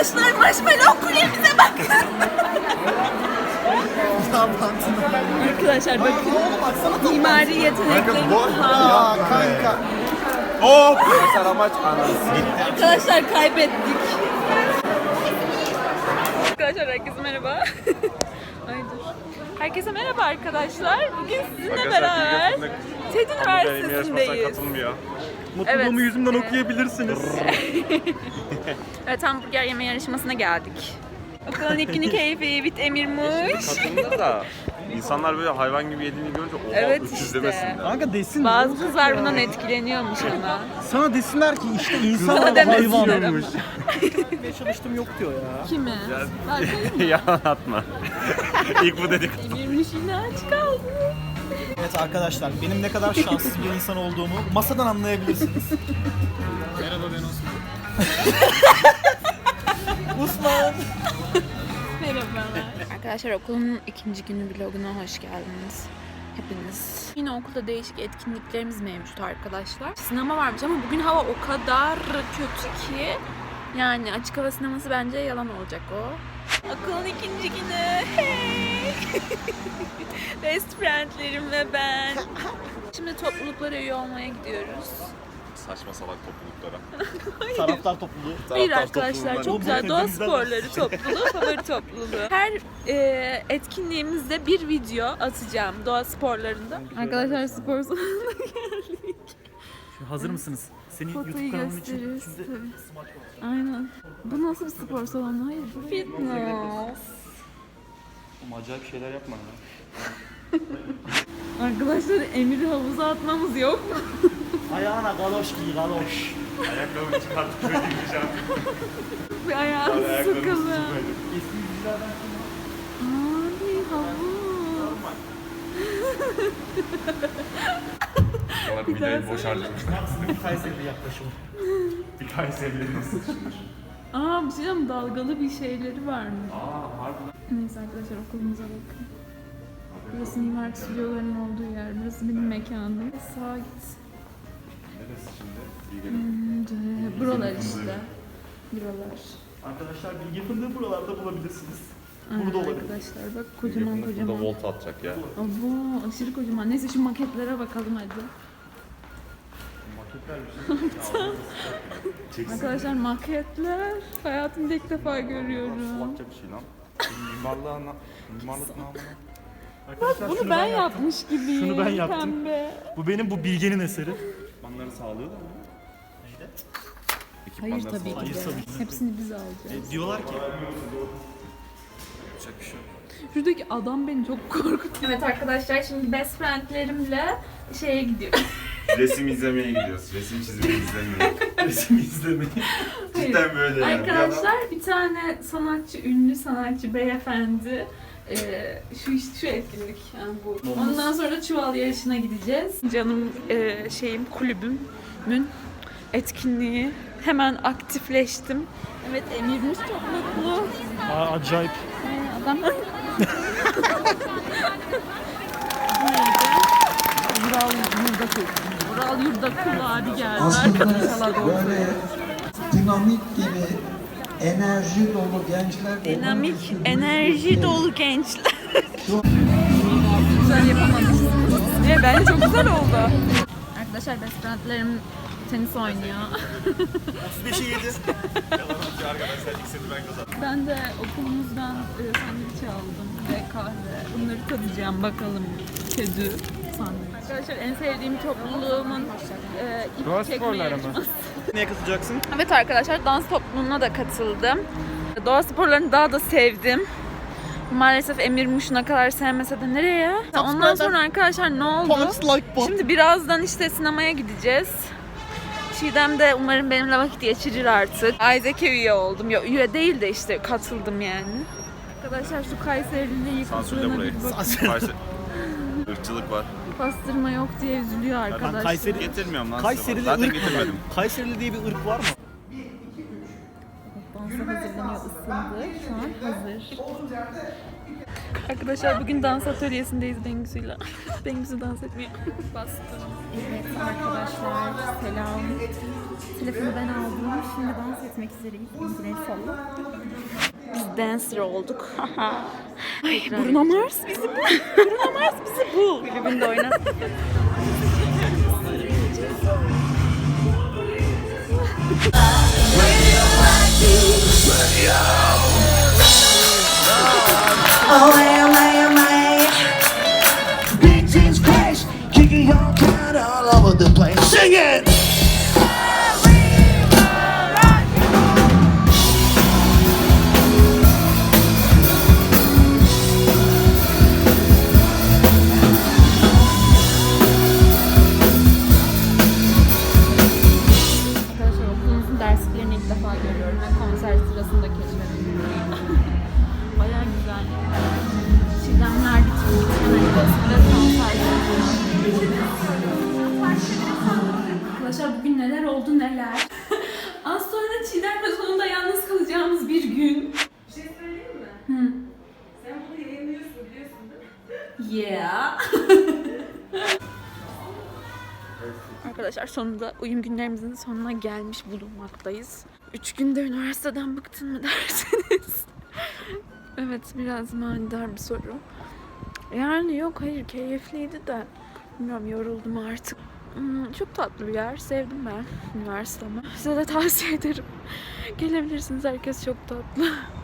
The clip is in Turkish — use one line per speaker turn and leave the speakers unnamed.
Arkadaşlar marshmallow kulemize bakın. Arkadaşlar bakın. Mimari yeteneklerimiz var.
Kanka.
Hop! Mesela amaç anası.
Arkadaşlar kaybettik. Arkadaşlar herkese merhaba. Ay dur. Herkese merhaba arkadaşlar. Bugün sizinle beraber TED Üniversitesi'ndeyiz.
Katılmıyor.
Mutluluğumu yüzümden okuyabilirsiniz.
Evet, hamburger yeme yarışmasına geldik. Okulun ilk günü keyfi, bit emirmiş.
Katıldı da insanlar böyle hayvan gibi yediğini görünce oha
Evet
öküz
işte.
demesinler.
Kanka desin.
Bazı kızlar bundan etkileniyormuş ama.
Sana desinler ki işte insan
Sana demesinler
hayvanmış.
ama.
Ne çalıştım yok diyor ya.
Kimi? Berkay mı?
Yalan atma. İlk bu dedik.
Emirmiş yine aç kaldı.
Evet arkadaşlar, benim ne kadar şanssız bir insan olduğumu masadan anlayabilirsiniz. Merhaba, ben Osman. Osman.
Merhabalar. Arkadaşlar okulun ikinci günü vloguna hoş geldiniz. Hepiniz. Yine okulda değişik etkinliklerimiz mevcut arkadaşlar. Sinema varmış ama bugün hava o kadar kötü ki yani açık hava sineması bence yalan olacak o. Okulun ikinci günü. Hey! Best friendlerim ve ben. Şimdi topluluklara üye olmaya gidiyoruz.
Saçma salak topluluklara.
Taraftar topluluğu.
Hayır
Taraftar
arkadaşlar,
topluluğundan-
çok güzel doğa
Hepimizden
sporları topluluğu, favori topluluğu. Her etkinliğimizde bir video atacağım doğa sporlarında. Arkadaşlar spor salonuna geldik.
Hazır mısınız? Senin
Fotoyu
YouTube kanalın için
gösteririz.
şimdi
Aynen. Bu nasıl bir spor salonu? Hayır, bu fitness.
Acayip şeyler yapma ya.
Arkadaşlar Emir'i havuza atmamız yok mu?
ayağına galoş giy, galoş.
Ayakkabımı çıkartıp böyle gideceğim.
Bir ayağını sıkılı.
Eski yüzlerden
Abi havuz.
Sonra videoyu boş harcamışlar.
bir Kayseri'de yaklaşım.
Bir Kayseri'de nasıl düşünür?
Aa, bir şey diyeceğim, dalgalı bir şeyleri var mı?
Aa harbiden.
Neyse arkadaşlar, okulumuza bakın. Burası mimar stüdyolarının olduğu yer. Burası benim mekanım. Sağa git.
Neresi şimdi? İyi gelin.
Buralar işte. Buralar.
Arkadaşlar bilgi fındığı buralarda bulabilirsiniz.
Aynen
Burada olabilir.
arkadaşlar, bak kocaman
Burada
kocaman.
volt atacak ya.
Abo, aşırı kocaman. Neyse şu maketlere bakalım hadi. Arkadaşlar maketler. Hayatımda ilk defa görüyorum.
Salakça bir şey lan. Mimarlık namına.
Arkadaşlar
Bunu
şunu
ben
yaptım.
yapmış gibiyim.
Şunu ben yaptım.
Pembe.
Bu Bilge'nin eseri.
Ekipmanları sağlıyor da mı?
Neydi?
Hayır tabii ki
Hayır,
de.
tabii ki.
Hepsini biz alacağız.
Diyorlar ki
Yapacak bir şey yok.
Şuradaki adam beni çok korkutuyor. Evet arkadaşlar, şimdi best friendlerimle şeye gidiyoruz.
Resim izlemeye gidiyoruz. Resim çizmeyi izlemeye.
resim izlemeyi.
Cidden böyle yani.
Arkadaşlar bir tane sanatçı, ünlü sanatçı beyefendi şu etkinlik yani bu. Ondan sonra çuval yarışına gideceğiz. Canım kulübümün etkinliği. Hemen aktifleştim. Evet, Emir'imiz çok mutlu.
Acayip.
Adam Vural Yurdakul abi geldi.
Aslında böyle dinamik gibi enerji dolu gençler
Dinamik, enerji dolu gençler. Güzel yapamadım. Bence çok güzel oldu. Arkadaşlar best friendlerim tenis oynuyor.
35'e 7.
Arkadaşlar ilk seti ben kazandım.
Ben de okulumuzdan sandviç aldım ve kahve. Bunları tadacağım bakalım. Kedü sandviç. Arkadaşlar en sevdiğim topluluğumun ip çekme yarışması.
Neye katılacaksın?
Evet arkadaşlar, dans topluluğuna da katıldım. Doğa sporlarını daha da sevdim. Maalesef Emir Muş'una kadar sevmese de nereye? Ondan sonra arkadaşlar ne oldu? Şimdi birazdan işte sinemaya gideceğiz. Çiğdem de umarım benimle vakit geçirir artık. Isaac'e üye oldum. Ya üye değil de işte katıldım yani. Arkadaşlar şu Kayseri'nin
Sansürle
yıkıldığına
burayı.
bir bakın.
Kayseri. Irkçılık var.
Pastırma yok diye üzülüyor arkadaşlar.
Kayseri-
Getirmiyorum lan
Kayseri'de
size. Zaten
ırk
getirmedim.
Kayseri'li diye bir ırk var mı?
Dansa hazırlanıyor, ısındı. Şu an hazır. Arkadaşlar bugün dans atölyesindeyiz Bengüsü'yle. Bengüsü dans etmiyor. Bastım. Evet arkadaşlar, selam. Telefonu ben aldım. Şimdi dans etmek üzereyiz. El salla. Biz dancer olduk. Ay, Bruno Mars bizi bul. Bruno Mars bizi bul. Kulübünde oynat.
Big T's crash, kicking your cat all over the place. Sing it!
Arkadaşlar okulumuzun derslerini ilk defa görüyorum ve konser sırasında keşfettim. Bayağı güzel. Çiğdemler bitmedi. Konser Arkadaşlar bugün neler oldu neler. Az sonra Çiğdem'le sonunda yalnız kalacağımız bir gün.
Bir şey söyleyeyim mi?
Hı.
Sen bunu yayınlıyorsun biliyorsun değil mi?
Yeah. Arkadaşlar sonunda uyum günlerimizin sonuna gelmiş bulunmaktayız. 3 günde üniversiteden bıktın mı derseniz. Evet, biraz manidar bir soru. Yani yok, hayır, keyifliydi de bilmiyorum, yoruldum artık. Çok tatlı bir yer. Sevdim ben üniversitemi. Size de tavsiye ederim. Gelebilirsiniz. Herkes çok tatlı.